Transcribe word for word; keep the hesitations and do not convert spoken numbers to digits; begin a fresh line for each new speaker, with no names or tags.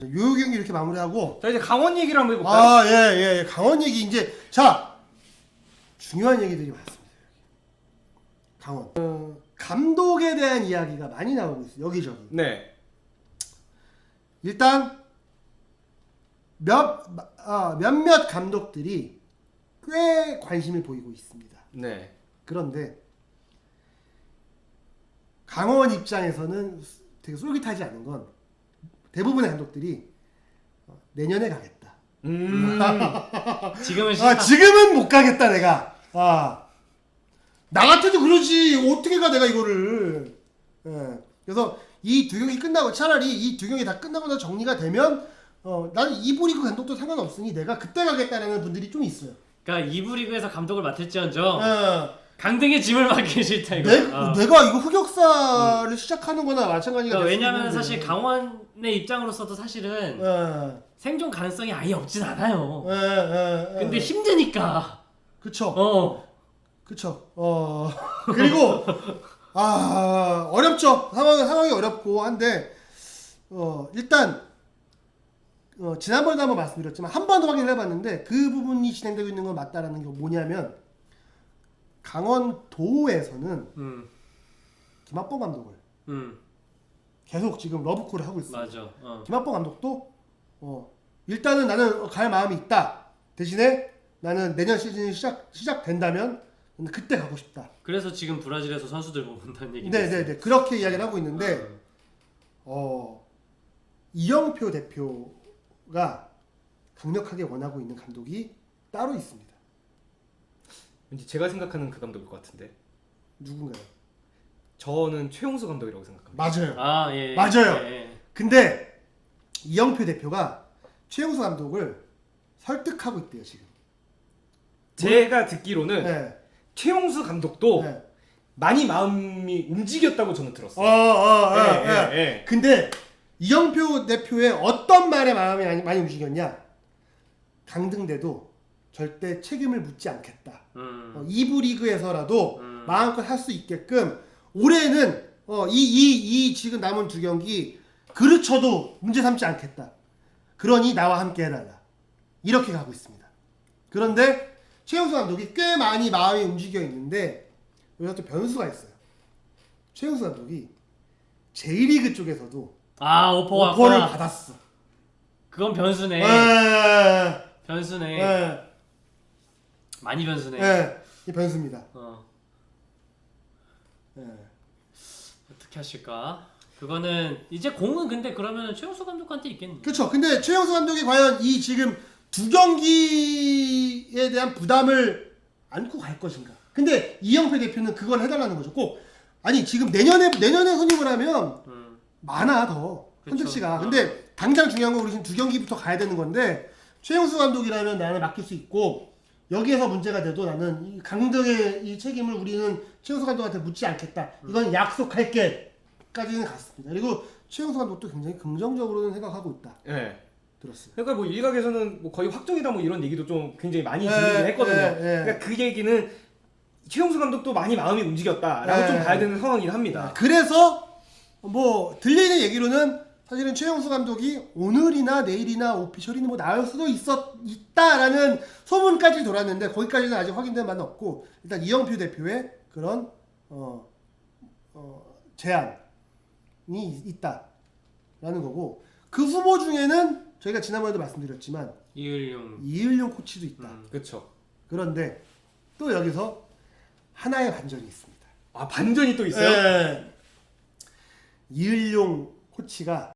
요 경기 이렇게 마무리하고
자 이제 강원 얘기를 한번 해볼까요?
아, 예, 예. 강원 얘기 이제 자 중요한 얘기들이 많습니다. 강원. 어, 감독에 대한 이야기가 많이 나오고 있어요. 여기저기.
네.
일단 몇 아, 몇몇 감독들이 꽤 관심을 보이고 있습니다.
네.
그런데 강원 입장에서는 되게 솔깃하지 않은 건 대부분의 감독들이 어, 내년에 가겠다.
음.
지금은
아,
싫다.
지금은 못 가겠다 내가. 아, 나 같아도 그러지. 어떻게 가 내가 이거를. 예. 그래서 이 두 경기 끝나고 차라리 이 두 경기 다 끝나고 나서 정리가 되면 어, 나는 이부 리그 감독도 상관없으니 내가 그때 가겠다라는 분들이 좀 있어요.
그러니까 이부 리그에서 감독을 맡을지언정
예.
강등의 짐을 맡기 싫다 이거.
내,
어.
내가 이거 흑역사를 음. 시작하는 거나 마찬가지가
그러니까
될
왜냐면
수
사실
있는데.
강원의 입장으로서도 사실은
예.
생존 가능성이 아예 없진 않아요.
예, 예, 예.
근데 힘드니까.
그쵸.
어.
그쵸. 어. 그리고 아 어렵죠. 상황 상황이 어렵고 한데 어 일단 어, 지난번에도 한번 말씀드렸지만 한 번 더 확인을 해봤는데 그 부분이 진행되고 있는 건 맞다라는 게 뭐냐면 강원도에서는
음.
김학범 감독을
음.
계속 지금 러브콜을 하고 있어요.
맞아. 어.
김학범 감독도 어, 일단은 나는 갈 마음이 있다. 대신에 나는 내년 시즌이 시작 시작된다면 그때 가고 싶다.
그래서 지금 브라질에서 선수들 모은다는 얘기.
네네네 그렇게 이야기를 하고 있는데 어, 이영표 대표가 강력하게 원하고 있는 감독이 따로 있습니다.
왠지 제가 생각하는 그 감독일 것 같은데.
누군가요?
저는 최용수 감독이라고 생각합니다.
맞아요.
아 예.
맞아요.
예, 예.
근데 이영표 대표가 최용수 감독을 설득하고 있대요 지금.
제가 듣기로는
네.
최용수 감독도
네.
많이 마음이 움직였다고 저는
어,
들었어요.
어, 어,
예,
예,
예, 예.
근데 이영표 대표의 어떤 말에 마음이 많이, 많이 움직였냐? 강등돼도 절대 책임을 묻지 않겠다.
음.
어, 이부 리그에서라도
음.
마음껏 할 수 있게끔 올해는 어, 이, 이, 이 지금 남은 두 경기 그르쳐도 문제 삼지 않겠다. 그러니 나와 함께 해달라. 이렇게 가고 있습니다. 그런데 최용수 감독이 꽤 많이 마음이 움직여 있는데 여기서 또 변수가 있어요. 최용수 감독이 제이리그 쪽에서도
아 오퍼가
오퍼를
왔구나.
받았어.
그건 변수네.
에,
변수네.
에,
많이 변수네.
에, 이 변수입니다.
어.
에.
어떻게 하실까? 그거는 이제 공은 근데 그러면 최용수 감독한테 있겠네.
그렇죠. 근데 최용수 감독이 과연 이 지금 두 경기에 대한 부담을 안고 갈 것인가? 근데 이영표 대표는 그걸 해달라는 거죠. 꼭 아니 지금 내년에 내년에 선임을 하면
음.
많아 더
그쵸.
선택지가.
어.
근데 당장 중요한 건 우리 지금 두 경기부터 가야 되는 건데 최용수 감독이라면 나는 맡길 수 있고 여기에서 문제가 돼도 나는 이 강등의 이 책임을 우리는 최용수 감독한테 묻지 않겠다. 이건 약속할게까지는 갔습니다. 그리고 최용수 감독도 굉장히 긍정적으로는 생각하고 있다.
예.
들었어요.
그러니까 뭐 일각에서는 뭐 거의 확정이다 뭐 이런 얘기도 좀 굉장히 많이
예,
들리긴 했거든요.
예, 예.
그러니까 그 얘기는 최용수 감독도 많이 마음이 움직였다라고
예.
좀 봐야 되는 상황이긴 합니다.
그래서 뭐 들리는 얘기로는 사실은 최용수 감독이 오늘이나 내일이나 오피셜이나 뭐 나올 수도 있었 있다라는 소문까지 돌았는데 거기까지는 아직 확인된 바는 없고 일단 이영표 대표의 그런 어, 어, 제안이 있다라는 거고 그 후보 중에는 저희가 지난번에도 말씀드렸지만
이을용.
이을용 코치도 있다.
음.
그렇죠.
그런데 또 여기서 하나의 반전이 있습니다.
아 반전이 또 있어요?
예. 이을용 코치가